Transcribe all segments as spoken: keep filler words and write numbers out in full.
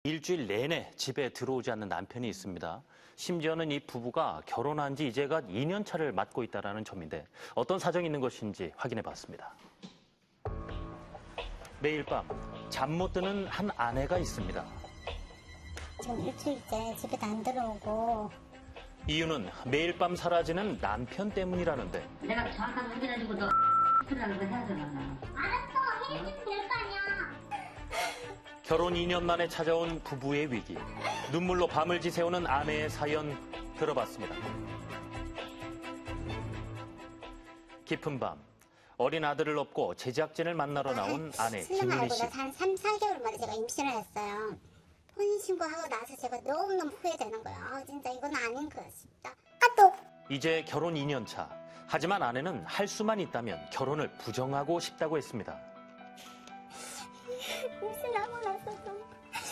일주일 내내 집에 들어오지 않는 남편이 있습니다. 심지어는 이 부부가 결혼한 지 이제가 이 년 차를 맞고 있다는 점인데 어떤 사정이 있는 것인지 확인해 봤습니다. 매일 밤 잠 못 드는 한 아내가 있습니다. 지금 일주일째 집에도 안 들어오고. 이유는 매일 밤 사라지는 남편 때문이라는데. 내가 정확하게 확인해주고 너 X라는 거 해야 되나? 알았어, 해주면 될 거 아니야. 결혼 이 년 만에 찾아온 부부의 위기. 눈물로 밤을 지새우는 아내의 사연 들어봤습니다. 깊은 밤, 어린 아들을 업고 제작진을 만나러 나온 아내 김은희 씨. 한 삼, 사 개월 만에 제가 임신을 했어요. 혼인신고하고 나서 제가 너무너무 후회되는 거예요. 아, 진짜 이건 아닌 것 같습니다. 아, 또! 이제 결혼 이 년 차. 하지만 아내는 할 수만 있다면 결혼을 부정하고 싶다고 했습니다. 임신하고 나서 좀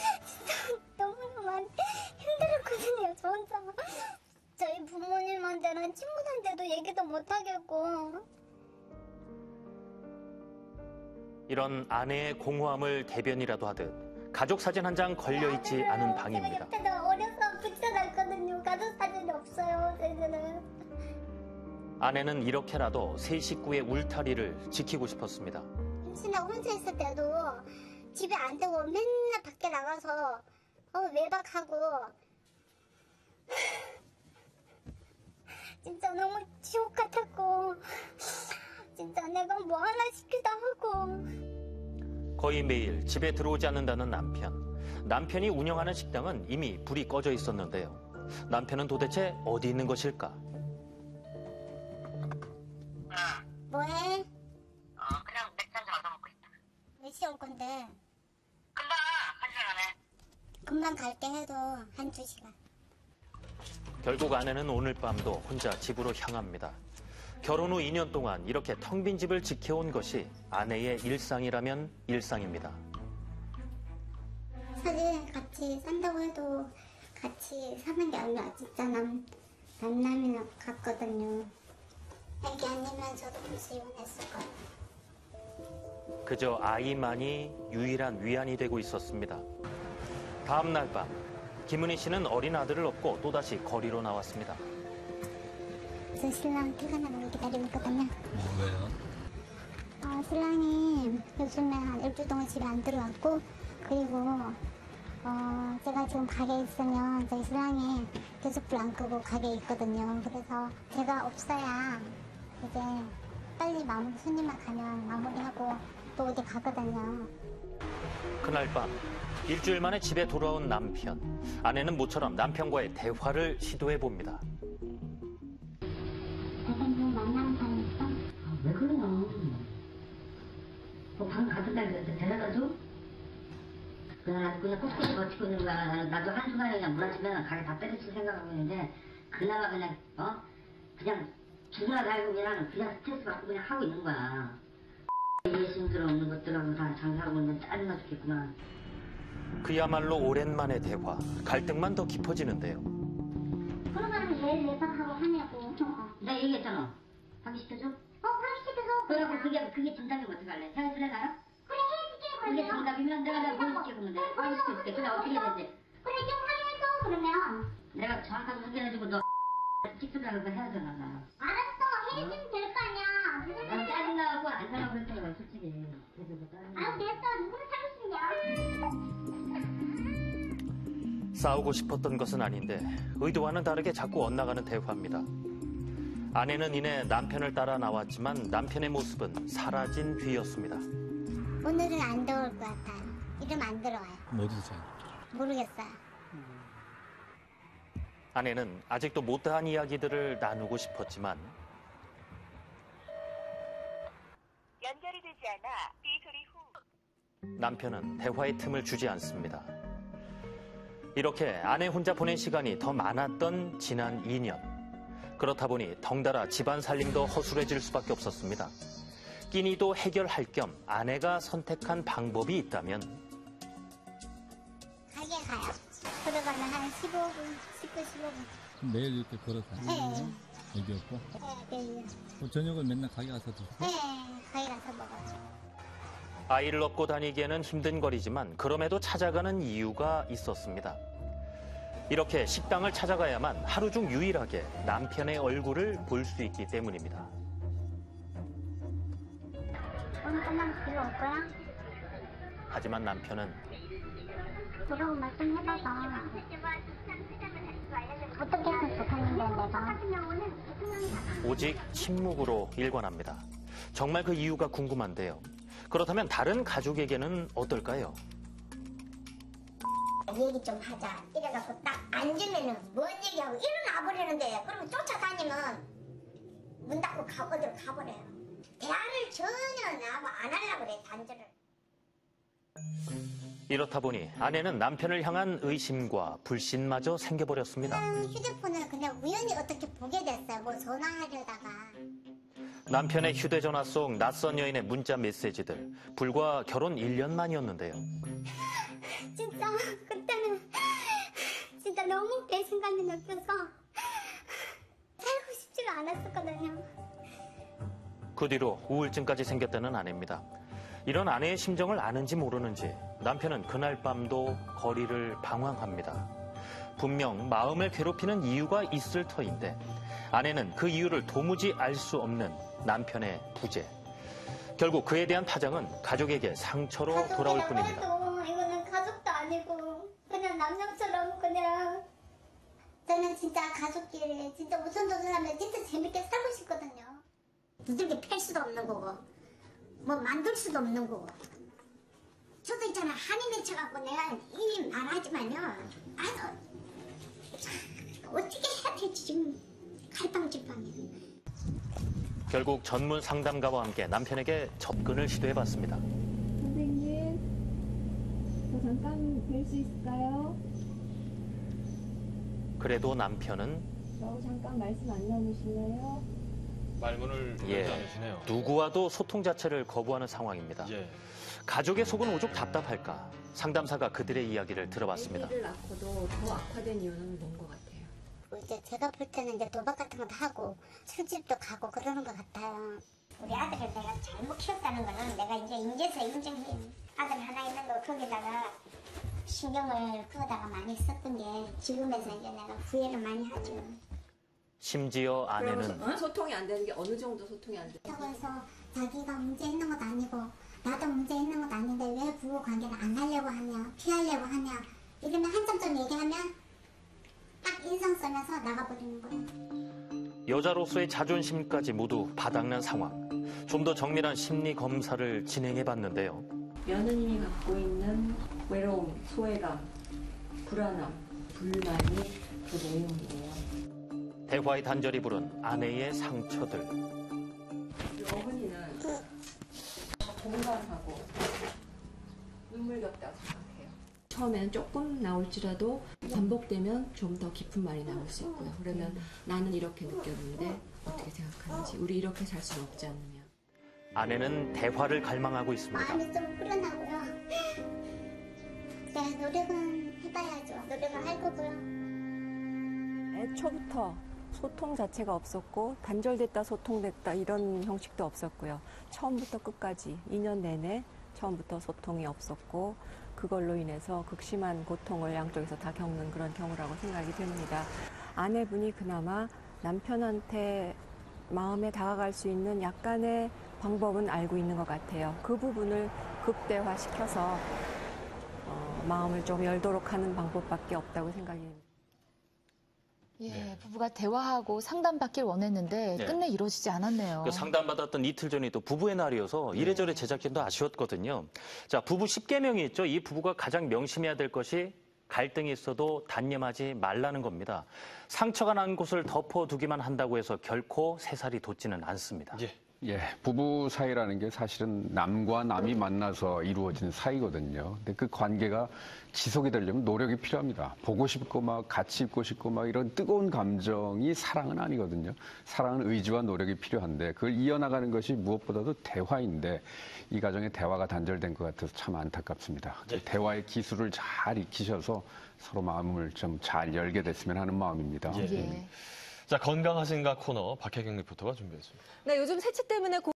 너무너무 힘들었거든요, 저 혼자. 저희 부모님한테는 친구들한테도 얘기도 못 하겠고. 이런 아내의 공허함을 대변이라도 하듯 가족 사진 한 장 걸려있지 않은 방입니다. 제가 옆에다 어려서 붙여놨거든요. 가족 사진이 없어요, 저희들은. 아내는 이렇게라도 세 식구의 울타리를 지키고 싶었습니다. 임신하고 혼자 있을 때도 집에 안 되고 맨날 밖에 나가서 어, 외박하고 진짜 너무 지옥 같았고 진짜 내가 뭐 하나 시키다 하고. 거의 매일 집에 들어오지 않는다는 남편. 남편이 운영하는 식당은 이미 불이 꺼져 있었는데요. 남편은 도대체 어디 있는 것일까? 뭐해? 어, 그냥 맥주 한잔 얻어먹고 있다. 몇 시에 올 건데? 금방 한 시간 안에. 금방 갈게 해도 한두 시간. 결국 아내는 오늘 밤도 혼자 집으로 향합니다. 결혼 후 이 년 동안 이렇게 텅 빈 집을 지켜온 것이 아내의 일상이라면 일상입니다. 사실 같이 산다고 해도 같이 사는 게 아니라 진짜 남, 남남이나 같거든요. 애기 아니면 저도 벌써 이혼했을 거예요. 그저 아이만이 유일한 위안이 되고 있었습니다. 다음 날 밤, 김은희 씨는 어린 아들을 업고 또다시 거리로 나왔습니다. 저 신랑 퇴근하는 걸 기다리고 있거든요. 어, 왜요? 어, 신랑이 요즘에 한 일주일 동안 집에 안 들어왔고, 그리고 어, 제가 지금 가게에 있으면 저희 신랑이 계속 불 안 끄고 가게에 있거든요. 그래서 제가 없어야 이제 빨리 마무리, 손님만 가면 마무리하고 또 어디 가거든요. 그날 밤, 일주일 만에 집에 돌아온 남편. 아내는 모처럼 남편과의 대화를 시도해봅니다. 대표님 만나는 사람 있어? 아, 왜 그래요? 뭐 방 같은 날이었어. 데려다 줘? 그냥 그냥 꿋꿋이 버티고 있는 거야. 나도 한순간에 그냥 무너지면 가게 다 때려칠 생각하고 있는데 그나마 그냥 어? 그냥 죽으나 살고 그냥 그냥 스트레스 받고 그냥 하고 있는 거야. 예심들 없는 것들하고 다 장사하고 있는 짜증나 죽겠구나. 그야말로 오랜만의 대화. 갈등만 더 깊어지는데요. 그러면 얘 외박하고 하냐고. 내가 얘기했잖아. 하기 시켜줘? 어, 하기 시켜서. 그래갖고 그게 그게 정답이면 어떡할래? 헤어질래 나랑? 그래, 해줄게, 그게 그러면. 정답이면 내가 내가 뭘 시켜 그러면 돼? 하기 시켜줄게. 그래 어떻게 해야 되지? 그래, 좀 하해줘, 그러면. 내가 정확하게 확인해주고 너 X라는 거 해야 되나 나. 알았어, 해주면 될 거 아니야. 무슨 난 소리야. 짜증나고 안 살라고 그랬잖아 솔직히. 그래서 뭐 짜증나. 아, 됐어. 누구를 사귀시냐? 싸우고 싶었던 것은 아닌데 의도와는 다르게 자꾸 엇나가는 대화입니다. 아내는 이내 남편을 따라 나왔지만 남편의 모습은 사라진 뒤였습니다. 오늘은 안 들어올 것 같아요. 이름 안 들어와요. 어디서 자요? 모르겠어요. 아내는 아직도 못다한 이야기들을 나누고 싶었지만 연결이 되지 않아 삐 소리 후 남편은 대화의 틈을 주지 않습니다. 이렇게 아내 혼자 보낸 시간이 더 많았던 지난 이 년. 그렇다 보니 덩달아 집안 살림도 허술해질 수밖에 없었습니다. 끼니도 해결할 겸 아내가 선택한 방법이 있다면 가게 가요. 걸어가면 한 십오 분, 십 분, 십오 분. 매일 이렇게 걸어가요? 네. 애기 없고? 네, 네. 뭐 저녁을 맨날 가게 가서 드세요? 네, 가게 가서 먹어요. 아이를 업고 다니기에는 힘든 거리지만 그럼에도 찾아가는 이유가 있었습니다. 이렇게 식당을 찾아가야만 하루 중 유일하게 남편의 얼굴을 볼 수 있기 때문입니다. 오늘 끝나면 집에 올 거야? 하지만 남편은 그러고 말씀해봐봐. 어떻게 하면 좋겠는데 내가. 오직 침묵으로 일관합니다. 정말 그 이유가 궁금한데요. 그렇다면 다른 가족에게는 어떨까요? 얘기 좀 하자. 이래갖고 딱 앉으면은 뭔 얘기하고 일어나 버리는데 그러면 쫓아다니면 문 닫고 가, 어디로 가버려요. 대화를 전혀 나하고 안 하려고 그래, 단절을. 이렇다 보니 아내는 남편을 향한 의심과 불신마저 생겨버렸습니다. 그냥 휴대폰을 그냥 우연히 어떻게 보게 됐어요. 뭐 전화하려다가. 남편의 휴대전화 속 낯선 여인의 문자 메시지들. 불과 결혼 일 년 만이었는데요. 진짜 그때는 진짜 너무 배신감이 느껴서 살고 싶지가 않았었거든요. 그 뒤로 우울증까지 생겼다는 아내입니다. 이런 아내의 심정을 아는지 모르는지 남편은 그날 밤도 거리를 방황합니다. 분명 마음을 괴롭히는 이유가 있을 터인데 아내는 그 이유를 도무지 알 수 없는 남편의 부재. 결국 그에 대한 파장은 가족에게 상처로 돌아올 뿐입니다. 해도 이거는 가족도 아니고 그냥 남녀처럼 그냥 저는 진짜 가족끼리 진짜 오손도손하면 진짜 재밌게 살고 싶거든요. 두들겨 팰 수도 없는 거고 뭐 만들 수도 없는 거고. 저도 있잖아 한이 맺혀갖고 내가 이 말하지만요. 아유 어떻게 해야 될지 지금 갈팡질팡해요. 결국 전문 상담가와 함께 남편에게 접근을 시도해봤습니다. 선생님, 저 잠깐 뵐 수 있을까요? 그래도 남편은 저하고 잠깐 말씀 안 나누실래요? 말문을 예, 열지 않으시네요. 누구와도 소통 자체를 거부하는 상황입니다. 예. 가족의 속은 오죽 답답할까. 상담사가 그들의 이야기를 들어봤습니다. 아기를 낳고도 더 악화된 이유는 뭔 것 같아요? 이제 제가 볼 때는 이제 도박 같은 것도 하고 술집도 가고 그러는 것 같아요. 우리 아들을 내가 잘못 키웠다는 거는 내가 이제 인제서 인정해. 아들 하나 있는 거 거기다가 신경을 그거다가 많이 썼던 게 지금에서 이제 내가 후회를 많이 하죠. 심지어 아내는 그러면 소통이 안 되는 게 어느 정도 소통이 안 돼요? 그렇다고 해서 자기가 문제 있는 것도 아니고 나도 문제 있는 것도 아닌데 왜 부부 관계를 안 하려고 하냐 피하려고 하냐 이러면 한참 좀 얘기하면 딱 인상 쓰면서 나가버리는 거예요. 여자로서의 자존심까지 모두 바닥난 상황. 좀 더 정밀한 심리 검사를 진행해봤는데요. 며느님이 갖고 있는 외로움, 소외감, 불안함, 불만이 그 내용이에요. 대화의 단절이 부른 아내의 상처들. 우리 어머니는 공감하고 눈물겹다고 생각해요. 처음에는 조금 나올지라도 반복되면 좀 더 깊은 말이 나올 수 있고요. 그러면 나는 이렇게 느꼈는데 어떻게 생각하는지, 우리 이렇게 살 수는 없지 않느냐. 아내는 대화를 갈망하고 있습니다. 마음이 좀 불안하고요. 네, 노력은 해봐야죠. 노력을 할 거고요. 애초부터 소통 자체가 없었고 단절됐다 소통됐다 이런 형식도 없었고요. 처음부터 끝까지 이 년 내내 처음부터 소통이 없었고 그걸로 인해서 극심한 고통을 양쪽에서 다 겪는 그런 경우라고 생각이 됩니다. 아내분이 그나마 남편한테 마음에 다가갈 수 있는 약간의 방법은 알고 있는 것 같아요. 그 부분을 극대화시켜서 어, 마음을 좀 열도록 하는 방법밖에 없다고 생각이 됩니다. 예, 네. 부부가 대화하고 상담받길 원했는데 네. 끝내 이루어지지 않았네요. 그 상담받았던 이틀 전이 또 부부의 날이어서 이래저래 제작진도 아쉬웠거든요. 자, 부부 십 계명이 있죠. 이 부부가 가장 명심해야 될 것이 갈등이 있어도 단념하지 말라는 겁니다. 상처가 난 곳을 덮어두기만 한다고 해서 결코 새살이 돋지는 않습니다. 예. 예, 부부 사이라는 게 사실은 남과 남이 만나서 이루어진 사이거든요. 근데 그 관계가 지속이 되려면 노력이 필요합니다. 보고 싶고 막 같이 있고 싶고 막 이런 뜨거운 감정이 사랑은 아니거든요. 사랑은 의지와 노력이 필요한데 그걸 이어나가는 것이 무엇보다도 대화인데 이 가정의 대화가 단절된 것 같아서 참 안타깝습니다. 네. 대화의 기술을 잘 익히셔서 서로 마음을 좀 잘 열게 됐으면 하는 마음입니다. 예. 예. 자, 건강하신가 코너 박혜경 리포터가 준비했습니다. 네, 요즘 새치 때문에